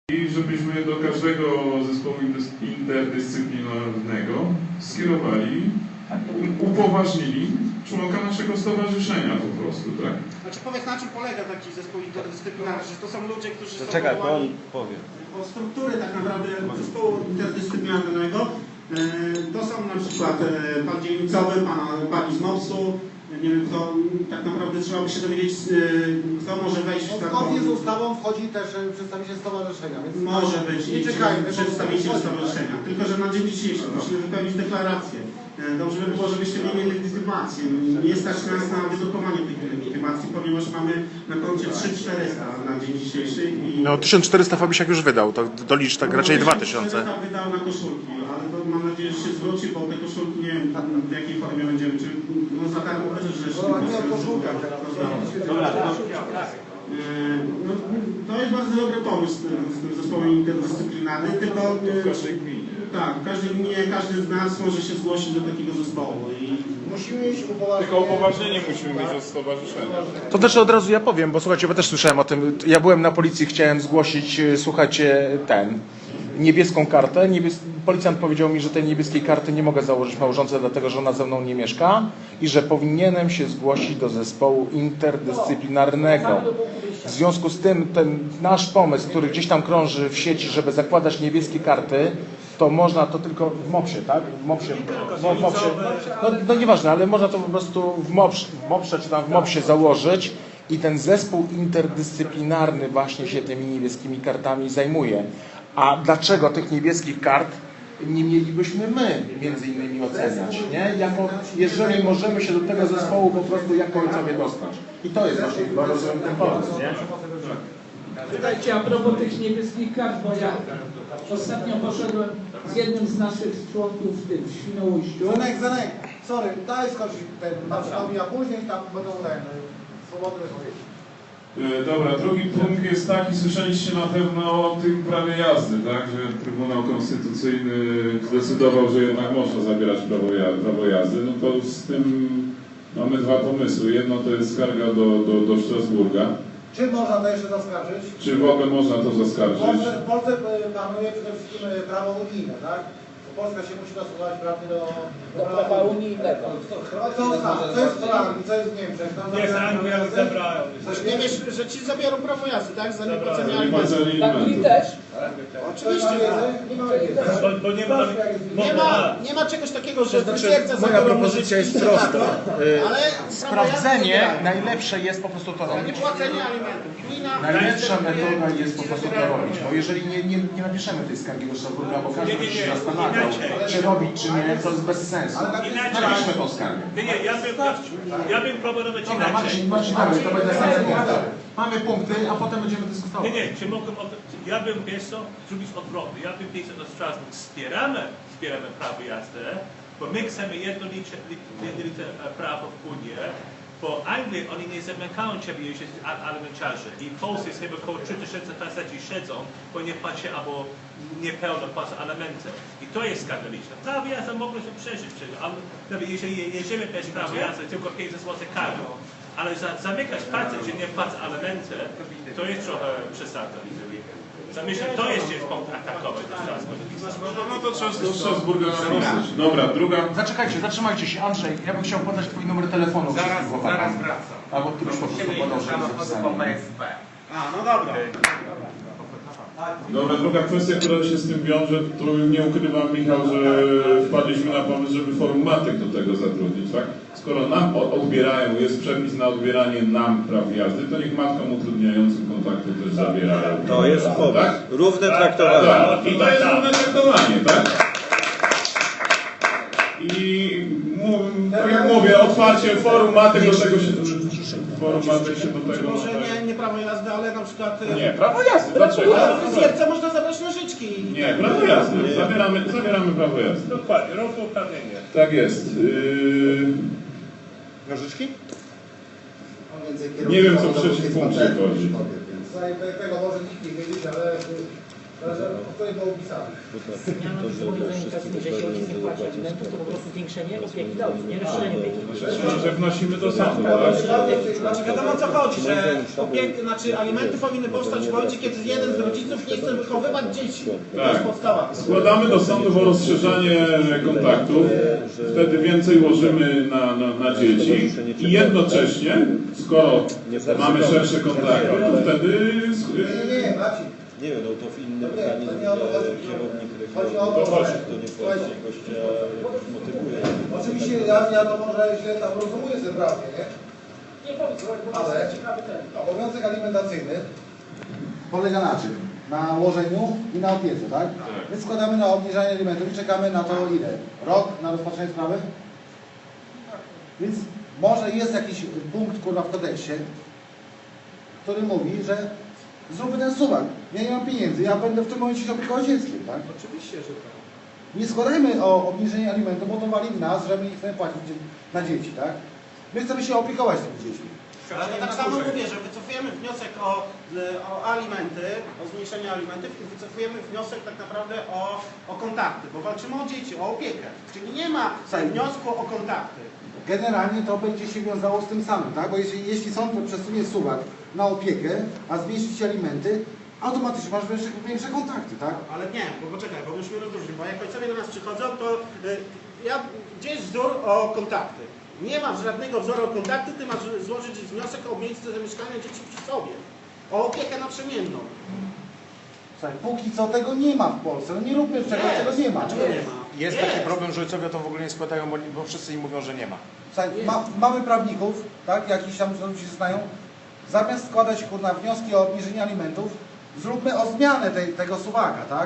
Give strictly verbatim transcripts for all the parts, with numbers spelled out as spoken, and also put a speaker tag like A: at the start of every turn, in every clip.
A: I żebyśmy do każdego zespołu interdyscyplinarnego skierowali, upoważnili członka naszego stowarzyszenia po prostu, tak?
B: Znaczy powiedz, na czym polega taki zespół interdyscyplinarny, że to są ludzie, którzy są
C: Czekaj, bo on
B: powołani
C: powie.
B: o struktury tak naprawdę zespołu interdyscyplinarnego. To są na przykład pan dzielnicowy, pan, pani z MOPS-u. Nie wiem, kto tak naprawdę trzeba by się dowiedzieć, kto może wejść w taką...
D: Zgodnie z ustawą wchodzi też przedstawiciel stowarzyszenia, więc
B: może być
D: nie
B: i
D: czekajmy.
B: przedstawiciel stowarzyszenia. Tylko że na dzień dzisiejszy musimy wypełnić deklarację. Dobrze by było, żebyście mieli legitymację. Nie stać nas na wydrukowanie tej legitymacji, ponieważ mamy na koncie trzy tysiące czterysta na dzień dzisiejszy. I...
E: No tysiąc czterysta Fabisiak już wydał, to dolicz tak raczej dwa tysiące.
B: wydał na koszulki, ale to mam nadzieję, że się zwróci, bo te koszulki nie wiem w jakiej formie będziemy, czy no za darmo też rzeczy. No, to jest bardzo dobry pomysł z tym zespołem interdyscyplinarnym, tylko
A: W każdej gminie.
B: tak, w każdej gminie każdy z nas może się zgłosić do takiego zespołu. I...
D: musimy mieć upoważnienie.
A: Tylko upoważnienie musimy mieć od stowarzyszenia.
E: To też od razu ja powiem, bo słuchajcie, bo też słyszałem o tym. Ja byłem na policji, chciałem zgłosić, słuchajcie, ten, niebieską kartę. Niebies... Policjant powiedział mi, że tej niebieskiej karty nie mogę założyć małżonce, dlatego że ona ze mną nie mieszka i że powinienem się zgłosić do zespołu interdyscyplinarnego. W związku z tym ten nasz pomysł, który gdzieś tam krąży w sieci, żeby zakładać niebieskie karty, to można to tylko w MOPS-ie, tak? W MOPS-ie, w MOPS-ie. No, no nieważne, ale można to po prostu w MOPS, w MOPS-ie czy tam w MOPS-ie założyć i ten zespół interdyscyplinarny właśnie się tymi niebieskimi kartami zajmuje. A dlaczego tych niebieskich kart nie mielibyśmy my między innymi oceniać, nie? Jako, jeżeli możemy się do tego zespołu po prostu jako ojcowie dostać. I to jest właśnie chyba rozumiem ten pomysł, nie?
F: Słuchajcie, a propos tych niebieskich kart, bo ja ostatnio poszedłem z jednym z naszych członków w tym w Świnoujściu.
D: Zenek, Zenek, sorry, daj skończyć ten marszałek, a później tam będą ten, swobodne wypowiedzi.
A: Dobra, drugi punkt jest taki, słyszeliście na pewno o tym prawie jazdy, tak? Że Trybunał Konstytucyjny zdecydował, że jednak można zabierać prawo jazdy, prawo jazdy. No to z tym mamy dwa pomysły. Jedno to jest skarga do, do, do Strasburga.
D: Czy można to jeszcze zaskarżyć?
A: Czy w ogóle można to
D: W
A: zaskarżyć?
D: Polsce, w Polsce panuje przede wszystkim prawo unijne, tak? Polska się musi dostosować prawnie do,
F: Do prawa unijnego.
D: Co, co jest w Anglii, co jest w Niemczech? Tam
G: Nie, z Anglii zabrałem.
B: Nie wiesz, że ci zabiorą prawo jazdy, tak? Za niepłacenie
A: Nie ma
B: alimentów.
F: Tak, i
A: alimentów.
F: też.
B: Oczywiście.
D: Nie ma wiedzy.
G: Bo, bo nie ma...
B: Nie ma, nie ma czegoś takiego, że potwierdza
E: Moja
B: zabiorą
E: propozycja jest
B: użytki,
E: prosta.
B: tak,
E: Y,
B: ale
E: Sprawdzenie
B: prawo jazdy
E: najlepsze jest po prostu to
B: nie
E: robić.
B: płacenie alimentów. Gmina
E: Najlepsza
B: decyduje,
E: metoda jest po prostu to robić, bo jeżeli nie, nie, nie napiszemy tej skargi do Strasburga, bo każdy
G: Nie, nie,
E: by się
G: nie.
E: zastanawiał, czy robić, czy nie, to jest bez sensu. Napiszmy tą skargę.
G: Nie, nie, ja bym, ja bym proponował
E: Dobra,
G: inaczej.
E: Marcin, Marcin, dalej, to będzie następny punkt. Mamy punkty, a potem będziemy dyskutować.
G: Nie, nie, czy mogę, ja bym, wiesz co, zrobić odwrotnie. Ja bym pisał do Strasburg, wspieramy, wspieramy prawo jazdy, bo my chcemy jednolicie, jednolite prawo w Unii, bo Anglii oni nie zamykają ciebie, jeśli jest alimenciarze. I w Polsce jest chyba około trzy tysiące facetów siedzą, bo nie płaci albo niepełno płacą alimenty. I to jest skandaliczne. Prawo jazdy mogą się przeżyć, ale jeżeli jedziemy bez prawa jazdy, tylko pięćset złotych karą, ale za, zamykać facet, że nie płaci alimenty, to jest trochę przesada. Myślę, to jest gdzieś punkt atakowy do Strasburga.
A: No to trzeba do Strasburga napisać. Dobra, druga.
E: Zaczekajcie, zatrzymajcie się. Andrzej, ja bym chciał podać twój numer telefonu.
H: Zaraz, zaraz
E: wracam.
H: wracam.
E: Albo ty byś po prostu podał, żeby zapisali.
B: A, no dobra.
A: Dobra, druga kwestia, która się z tym wiąże, tu nie ukrywam, Michał, że wpadliśmy na pomysł, żeby forum matek do tego zatrudnić, tak? Skoro nam odbierają, jest przepis na odbieranie nam praw jazdy, to niech matkom utrudniającym kontakty też zabierają.
C: To jest pomysł.
A: Tak?
C: Równe traktowanie.
A: Tak. I to jest równe traktowanie, tak? I tak jak mówię, otwarcie forum matek do tego się... Forum matek się do tego...
B: Może nie, nie prawo jazdy, ale na przykład...
A: Nie, prawo jazdy, dlaczego?
B: Na fryzjerce można zabrać nożyczki.
A: Nie, prawo jazdy. Zabieramy, zabieramy prawo jazdy.
G: Dokładnie, rok uprawnienie.
A: Tak jest. Yy...
D: Nożyczki?
A: Nie wiem, co w trzecim punkcie chodzi.
D: Tego może nikt nie wiedzieć, ale o której było opisane.
C: Zmiana zobowiązania kasyjnej, że jeśli ojciec nie płaci alimentów, to po prostu zwiększenie opieki dla ojca, nie rozszerzenie opieki.
A: Znaczy, że wnosimy do sądu, tak?
B: Znaczy wiadomo o co chodzi, że opiek, znaczy alimenty powinny powstać w momencie, kiedy jeden z rodziców nie chce wychowywać dzieci. To jest
A: Tak.
B: podstawa.
A: Składamy do sądu o rozszerzanie kontaktów, wtedy więcej łożymy na, na, na dzieci i jednocześnie, skoro mamy szersze kontakty, to wtedy
D: Nie, nie, Maciej.
H: Nie wiem, no to w innym
D: Nie,
H: pytaniu
D: to nie o to chodzi.
H: kierownik
D: Chodzi o
H: regionu
D: to,
H: to
D: że-
H: nie
D: słuchajcie.
H: płaci, gościa motywuje.
D: Oczywiście ja, ja to może źle tam rozumuję zebranie, nie?
F: Nie powiedz, bo to
D: Ale-
F: jest ciekawy ten.
D: Obowiązek alimentacyjny polega na czym? Na łożeniu i na opiece, tak? My składamy na obniżanie alimentów i czekamy na to ile? Rok na rozpatrzenie sprawy? Więc może jest jakiś punkt kurwa w kodeksie, który mówi, że zróbmy ten suwak. Ja nie mam pieniędzy, ja będę w tym momencie się opiekował dzieckiem, tak?
B: Oczywiście, że tak.
D: Nie składajmy o obniżenie alimentów, bo to wali w nas, że my nie chcemy płacić na dzieci, tak? My chcemy się opiekować tymi dziećmi.
B: Ale to tak samo mówię, że wycofujemy wniosek o, o alimenty, o zmniejszenie alimentów i wycofujemy wniosek tak naprawdę o, o kontakty, bo walczymy o dzieci, o opiekę. Czyli nie ma wniosku o kontakty.
D: Generalnie to będzie się wiązało z tym samym, tak? Bo jeśli, jeśli sąd przesunie suwak na opiekę, a zmniejszy ci alimenty, automatycznie masz większe, większe kontakty, tak?
B: Ale nie, bo poczekaj, bo musimy rozróżnić, bo jak ojcowie do nas przychodzą, to y, ja, gdzie jest wzór o kontakty? Nie masz żadnego wzoru o kontakty, ty masz złożyć wniosek o miejsce zamieszkania dzieci przy sobie. O opiekę naprzemienną.
D: Słuchaj, póki co tego nie ma w Polsce, no nie róbmy czegoś, czego nie ma.
B: Dlaczego nie ma?
E: Jest
B: Jest.
E: taki problem, że ojcowie to w ogóle nie składają, bo, bo wszyscy im mówią, że nie ma.
D: Słuchaj, ma, mamy prawników, tak? Jakiś tam ludzi się znają. Zamiast składać kurna wnioski o obniżenie alimentów, zróbmy o zmianę tej, tego suwaka, tak?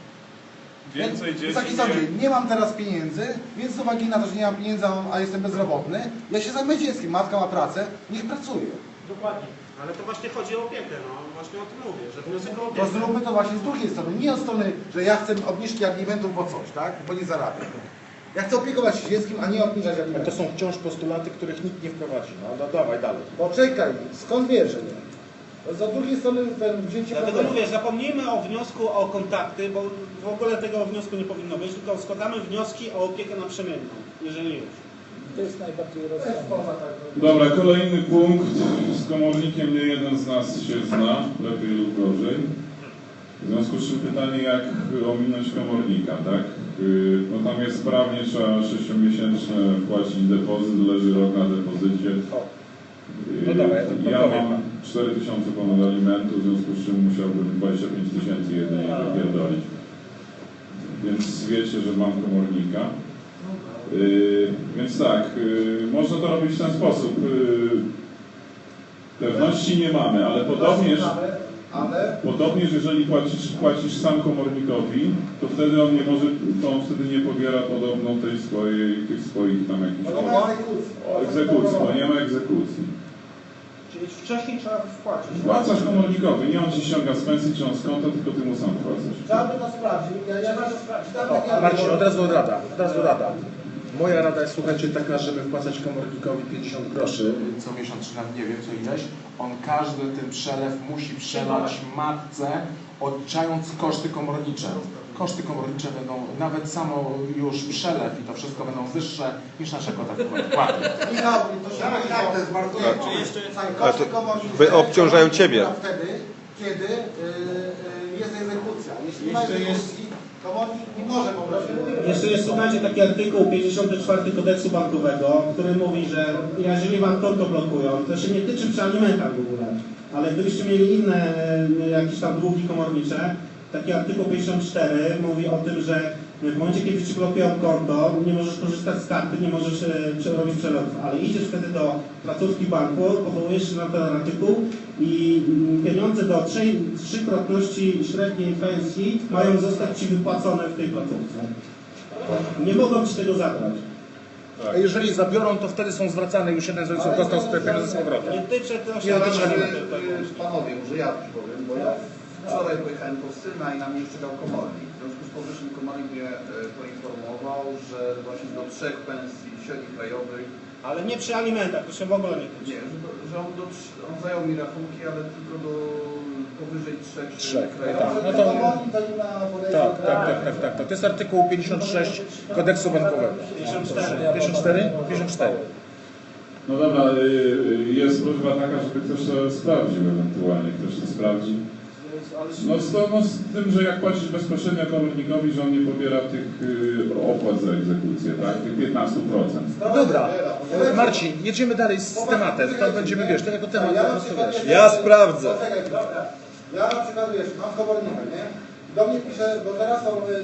A: więcej dzieci
D: Wysoki sądzie,
A: nie...
D: nie mam teraz pieniędzy, więc z uwagi na to, że nie mam pieniędzy, a jestem bezrobotny, ja się zajmę dzieckiem, matka ma pracę, niech pracuje.
F: Dokładnie.
B: Ale to właśnie chodzi o opiekę, no właśnie o tym mówię, że wniosek o
D: To
B: opiekę.
D: zróbmy to właśnie z drugiej strony, nie od strony, że ja chcę obniżki alimentów, bo coś, tak? Bo nie zarabiam. Ja chcę opiekować się dzieckiem, a nie obniżać
E: To
D: alimentów.
E: są wciąż postulaty, których nikt nie wprowadzi. No, no dawaj dalej.
D: Poczekaj, skąd wiesz, że nie? Z drugiej strony ten wzięcie
B: Dlatego
D: problemu.
B: mówię, zapomnijmy o wniosku o kontakty, bo w ogóle tego wniosku nie powinno być, tylko składamy wnioski o opiekę naprzemienną, jeżeli już.
F: To jest najbardziej
D: To jest
F: rozsądne.
D: poza tak.
A: Dobra, kolejny punkt. Z komornikiem nie jeden z nas się zna, lepiej lub gorzej. W związku z czym pytanie, jak ominąć komornika, tak? Yy, No tam jest prawnie, trzeba sześciomiesięczne wpłacić depozyt, leży rok na depozycie.
E: No dawaj, ja to
A: Ja
E: powiem.
A: mam cztery tysiące ponad alimentu, w związku z czym musiałbym dwadzieścia pięć tysięcy jedynie wypierdolić. Więc wiecie, że mam komornika. Yy, więc tak, yy, można to robić w ten sposób. Yy, pewności nie mamy, ale podobnież,
D: Ale
A: podobnież jeżeli płacisz, płacisz sam komornikowi, to wtedy on nie może, to on wtedy nie pobiera podobno tej swojej, tych swoich tam jakichś
D: no, no, egzekucji.
A: o egzekucji, bo nie ma egzekucji.
D: Czyli wcześniej trzeba wpłacić.
A: Wpłacasz komornikowi, nie on ci ściąga z pensji czy on z konta, tylko ty mu sam wpłacasz.
D: Trzeba by to sprawdzić. Ja, ja to sprawdzić. Tam takie
E: Marcin, od razu rada, od razu rada. Moja rada jest, słuchajcie, taka, żeby wpłacać komornikowi pięćdziesiąt groszy co miesiąc, czy nawet nie wiem, co ileś. On każdy ten przelew musi przelać matce, odliczając koszty komornicze. Koszty komornicze będą, nawet samo już przelew i to wszystko będą wyższe niż nasze kota wpłaty.
D: Michał, to się tak, tak, to jest bardzo
H: Tak.
B: jeszcze
H: Ale to wy obciążają ciebie.
D: Wtedy, kiedy yy, jest egzekucja. Jeśli nie ma
B: Jeszcze jest-
D: egzekucji, komornik nie może po prostu.
B: Jeszcze jest, słuchajcie, taki artykuł pięćdziesiąty czwarty kodeksu bankowego, który mówi, że jeżeli wam konto blokują, to się nie tyczy przy alimentach w ogóle, ale gdybyście mieli inne e, jakieś tam długi komornicze, taki artykuł pięćdziesiąt cztery mówi o tym, że w momencie, kiedy ci blokują konto, nie możesz korzystać z karty, nie możesz e, robić przelotów, ale idziesz wtedy do placówki banku, powołujesz się na ten artykuł i mm, pieniądze do trzej, trzykrotności średniej pensji mają zostać ci wypłacone w tej placówce. Nie mogą ci tego zabrać.
E: A jeżeli zabiorą, to wtedy są zwracane, już jeden z rodziców dostał swoje pieniądze z powrotem.
B: Nie tyczy to
D: Ja
B: się
D: też,
B: alimentów.
I: Panowie, może ja coś powiem, bo ja wczoraj pojechałem po syna i na mnie czekał komornik. W związku z powyższym komornik mnie e, poinformował, że właśnie do trzech pensji średnich krajowych,
B: Ale nie przy alimentach, to się w ogóle nie tyczy.
I: nie, że, do, że on, do, trz- on zajął mi rachunki, ale tylko do powyżej trzech
E: Trzech,
I: krajowych.
E: tak. No to, tak, tak, tak, tak, tak, tak. To jest artykuł pięćdziesiąt sześć kodeksu bankowego. pięćdziesiąt cztery? pięćdziesiąt cztery.
A: No dobra, y, jest prośba taka, żeby ktoś to sprawdził ewentualnie, ktoś to sprawdzi. No z, to, no z tym, że jak płacisz bezpośrednio komornikowi, że on nie pobiera tych y, opłat za egzekucję, tak? Tych piętnaście procent.
E: Dobra, Marcin, jedziemy dalej z tematem. To będziemy, wiesz, to jako temat po prostu wiesz.
H: Ja sprawdzę.
D: Ja na przykład, wiesz, mam komornika, nie? Do mnie pisze, bo teraz są y,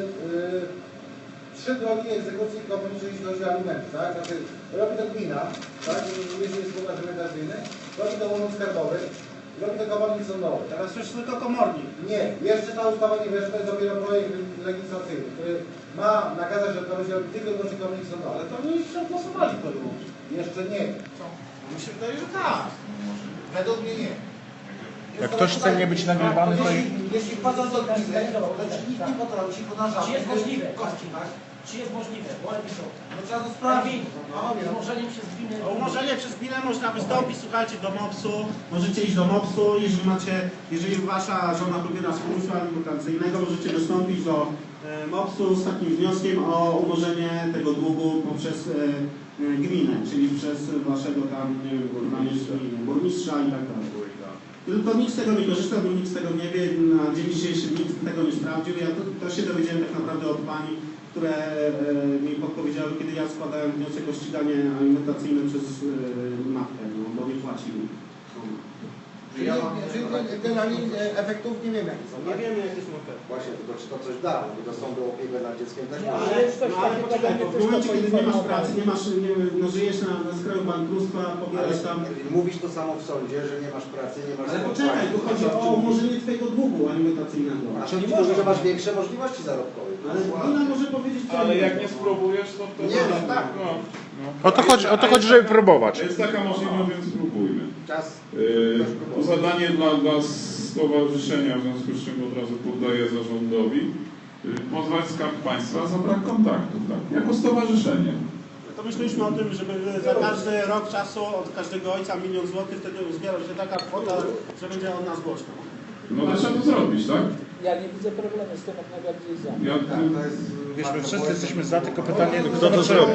D: y, trzy drogi egzekucji komorniczej, jeśli chodzi o alimenty, tak? Znaczy, robi to gmina, tak? Jeśli jest skład alimentacyjny, robi to urząd skarbowy, robi to komornik sądowy.
B: Teraz już tylko komornik.
D: Nie, jeszcze ta ustawa nie weszła, to jest dopiero projekt legislacyjny, który ma nakazać, że to będzie robić tylko wyłącznie komornik sądowy.
B: Ale to oni już przegłosowali to już.
D: Jeszcze nie.
B: Mi się wydaje, że tak.
D: Według mnie nie.
E: Jak ktoś chce nie być nagrywany, to...
D: Jeśli, jeśli wchodzą do gminy, to czy nikt nie potrąci, bo na żadne.
C: Czy jest możliwe?
D: Kości, tak?
C: Czy jest możliwe? Wolę mi to.
D: No trzeba to sprawdzić.
C: Z umorzeniem przez gminę.
B: O umorzenie przez gminę można wystąpić, słuchajcie, do mopsu, możecie iść do mopsu, jeżeli macie, jeżeli wasza żona pobiera z funduszu alimentacyjnego, możecie wystąpić do e, mopsu z takim wnioskiem o umorzenie tego długu poprzez e, e, gminę, czyli przez waszego tam, nie wiem, burmistrza, burmistrza i tak dalej. Tylko nikt z tego nie korzysta, bo nikt z tego nie wie, na dzień dzisiejszy nikt tego nie sprawdził. Ja to, to się dowiedziałem tak naprawdę od pani, które e, mi podpowiedziały, kiedy ja składałem wniosek o ściganie alimentacyjne przez e, matkę, no, bo nie płacił.
D: Czyli, czyli generalnie e, efektów nie wiemy jakie są.
B: Nie wiemy, jakie są efekty.
D: Właśnie, tylko czy to coś da, bo do sądu opiekę nad dzieckiem też
C: Nie,
D: może.
C: ale już coś
B: No ale
C: takiego
B: poczekaj,
C: będzie
B: to w
C: też
B: momencie, kiedy nie masz
C: poinformował.
B: pracy, nie masz, nie, no, żyjesz na, na skraju bankructwa, pobierasz tam...
D: Mówisz to samo w sądzie, że nie masz pracy, nie masz...
B: Ale poczekaj, tu chodzi o umorzenie twojego długu alimentacyjnego.
D: A sąd ci mówi, że masz większe możliwości zarobkowe.
B: Ale gmina może powiedzieć co
A: Ale
B: innego.
A: jak nie spróbujesz, to... to
D: Nie, no tak.
A: No, no.
E: O to chodzi, o to chodzi, żeby próbować.
A: Jest taka możliwość, więc spróbujmy.
D: Czas.
A: Yy, to zadanie dla, dla stowarzyszenia, w związku z czym od razu poddaję zarządowi, yy, pozwać Skarb Państwa za brak kontaktu, tak? Jako stowarzyszenie.
B: To myśleliśmy o tym, żeby za każdy rok czasu od każdego ojca milion złotych, wtedy uzbiera się taka kwota, że będzie od nas głośno.
A: No to trzeba to zrobić, tak?
C: Ja nie widzę problemu z tym, jak najbardziej za.
A: Ja,
E: Wiesz, my wszyscy jesteśmy za, tylko pytanie, kto to
H: to
E: zrobi.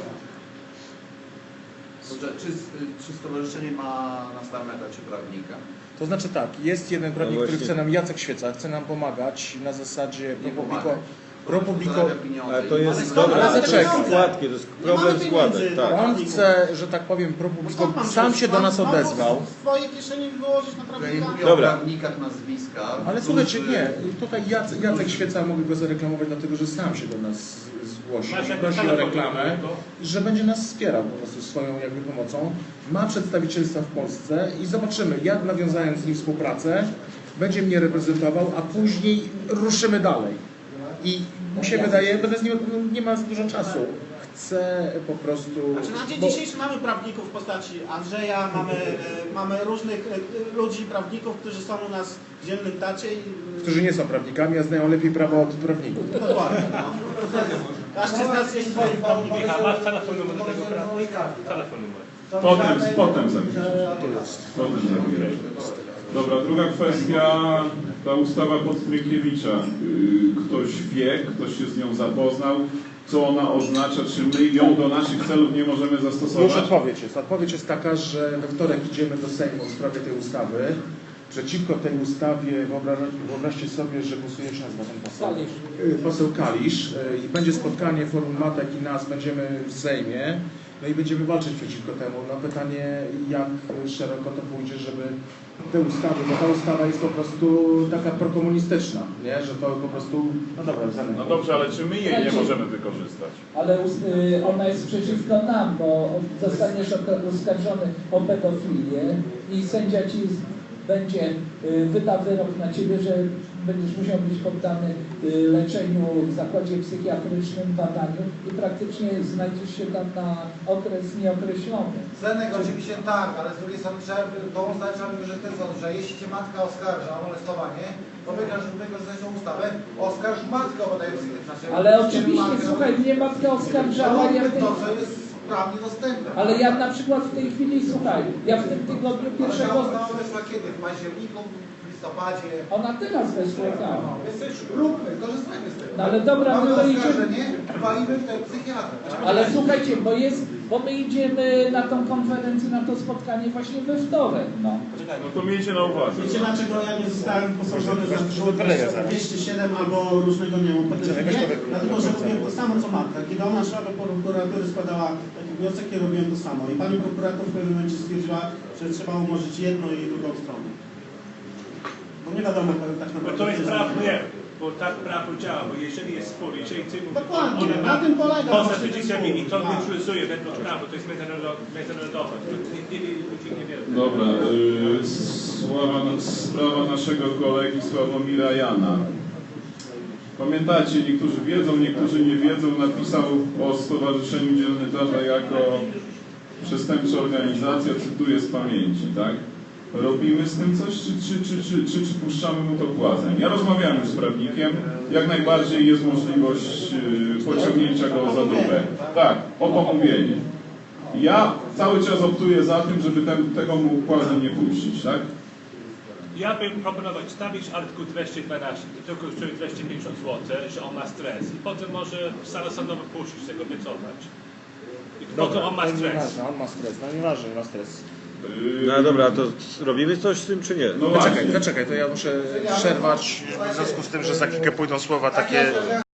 I: Czy, czy stowarzyszenie ma na stałym etacie prawnika?
E: To znaczy tak, jest jeden prawnik,
H: No
E: który
H: właśnie.
E: chce nam, Jacek Świeca, chce nam pomagać na zasadzie
I: Nie
E: pro publico,
I: pomaga.
E: pro publico.
I: Zarabia pieniądze
H: Ale to
I: i-
H: jest
B: Ale
H: dobre,
B: ale
E: zaczekaj.
H: składki, to jest problem składek, tak.
E: On chce, że tak powiem, pro publico, sam się do nas odezwał.
B: W swojej kieszeni wyłożyć na
I: Ja nie
B: prawnika.
I: mówię
H: Dobra.
I: o prawnikach, nazwiskach.
E: Ale
I: którzy-
E: słuchajcie, nie, tutaj Jacek, Jacek Świeca, mogę go zareklamować, dlatego że sam się do nas zgłosił
G: Masz
E: i
G: jakiś
E: prosi o
G: telefon
E: reklamę,
G: do niego?
E: że będzie nas wspierał po prostu swoją jakby pomocą. Ma przedstawicielstwa w Polsce i zobaczymy, jak nawiązając z nim współpracę, będzie mnie reprezentował, a później ruszymy dalej. I mi się wydaje, będę z nim, nie ma za dużo czasu. Chcę po prostu...
B: Znaczy na dzień
E: bo-
B: dzisiejszy mamy prawników w postaci Andrzeja, mamy, e, mamy różnych e, ludzi, prawników, którzy są u nas w dziennym tacie i...
E: którzy nie są prawnikami, a znają lepiej prawo od prawników.
B: Dokładnie, no. Każdy z nas jest swoim prawnikiem.
G: Michał, masz telefon numer do tego prawnika? Telefon numer.
A: potem, potem zapiszę. Potem zapiszę. Dobra, druga kwestia, ta ustawa Podstrykiewicza. Yy, Ktoś wie, ktoś się z nią zapoznał, co ona oznacza, czy my ją do naszych celów nie możemy
E: Już
A: zastosować?
E: odpowiedź jest. Odpowiedź jest taka, że we wtorek idziemy do Sejmu w sprawie tej ustawy. Przeciwko tej ustawie wyobraź, wyobraźcie sobie, że głosuje się nazywa ten poseł.
C: Kalisz.
E: Y, Poseł Kalisz. Y, I będzie spotkanie forum matek i nas, będziemy w Sejmie. No i będziemy walczyć przeciwko temu. No pytanie, jak szeroko to pójdzie, żeby te ustawy, bo ta ustawa jest po prostu taka prokomunistyczna, nie? Że to po prostu, no dobra, zamykam.
A: No dobrze, ale czy my jej nie możemy wykorzystać?
F: Ale us- y, ona jest przeciwko nam, bo zostaniesz ok- oskarżony o pedofilię i sędzia ci z- będzie y, wyda wyrok na ciebie, że będziesz musiał być poddany y, leczeniu w zakładzie psychiatrycznym, badaniu i praktycznie znajdziesz się tam na okres nieokreślony.
D: Zenek oczywiście tak, ale z drugiej strony trzeba pomóc trzeba by, że ten sąd, że jeśli cię matka oskarża o molestowanie, to wygrasz wykorzystać tą ustawę, oskarż matkę o badanie psychiatryczne.
F: Ale oczywiście, słuchaj, mnie matka oskarżała, ja w tej...
D: to, co jest prawnie dostępne.
F: ale ja na przykład w tej chwili, słuchaj, ja w tym tygodniu
D: Ale
F: pierwszego...
D: ta ustawa weszła kiedy? W październiku, w listopadzie.
F: Ona teraz weszła tam.
D: Więc róbmy, korzystajmy z tego.
F: No ale dobra,
D: mamy
F: my to idziemy.
D: oskarżenie, walimy w ten psychiatrę.
F: Ale słuchajcie, bo jest, bo my idziemy na tą konferencję, na to spotkanie właśnie we wtorek, no.
A: No to miejcie na uwadze.
B: Wiecie dlaczego ja nie zostałem posądzony za dwieście siedem albo różnego, nie wiem, pedofilię? Dlatego, że robiłem to samo co Marta. Kiedy ona szła do prokuratury, składała taki wniosek, ja robiłem to samo. I pani prokurator w pewnym momencie stwierdziła, że trzeba umorzyć jedną i drugą stronę. Bo nie wiadomo tak
G: Bo
B: naprawdę.
G: to jest
B: co
G: prawo,
B: zrobić.
G: nie, bo tak prawo działa, bo jeżeli jest spór, jeżeli ty mówisz,
B: Dokładnie,
G: ona
B: na
G: ma
B: tym polega
G: poza
B: właśnie ten
G: przepisami
B: spór.
G: i to
B: Tak.
G: neutralizuje według prawa, to jest międzynarodowe, międzynarodowe. To nie- nie- nie- ludzie nie wiedzą.
A: Dobra, y, sława, sprawa naszego kolegi Sławomira Jana. Pamiętacie, niektórzy wiedzą, niektórzy nie wiedzą, napisał o Stowarzyszeniu Dziennikarza jako przestępcza organizacja, cytuję z pamięci, tak? Robimy z tym coś, czy, czy, czy, czy, czy, czy puszczamy mu to płazem? Ja rozmawiałem już z prawnikiem, jak najbardziej jest możliwość y, pociągnięcia go za dupę. Tak, o pomówienie. Ja cały czas optuję za tym, żeby ten, tego mu płazem nie puścić, tak?
G: Ja bym proponował stawić artykuł dwieście dwanaście, to tylko kosztuje dwieście pięćdziesiąt złotych, że on ma stres i potem może sala sądowa puścić tego, wycofać. I potem on ma
E: to
G: stres.
E: nieważne, on ma stres, no nieważne, ma stres.
A: Yy,
H: No dobra, to robimy coś z tym, czy nie?
A: No
E: Poczekaj,
A: właśnie.
E: poczekaj, to ja muszę przerwać w związku z tym, że za chwilkę pójdą słowa takie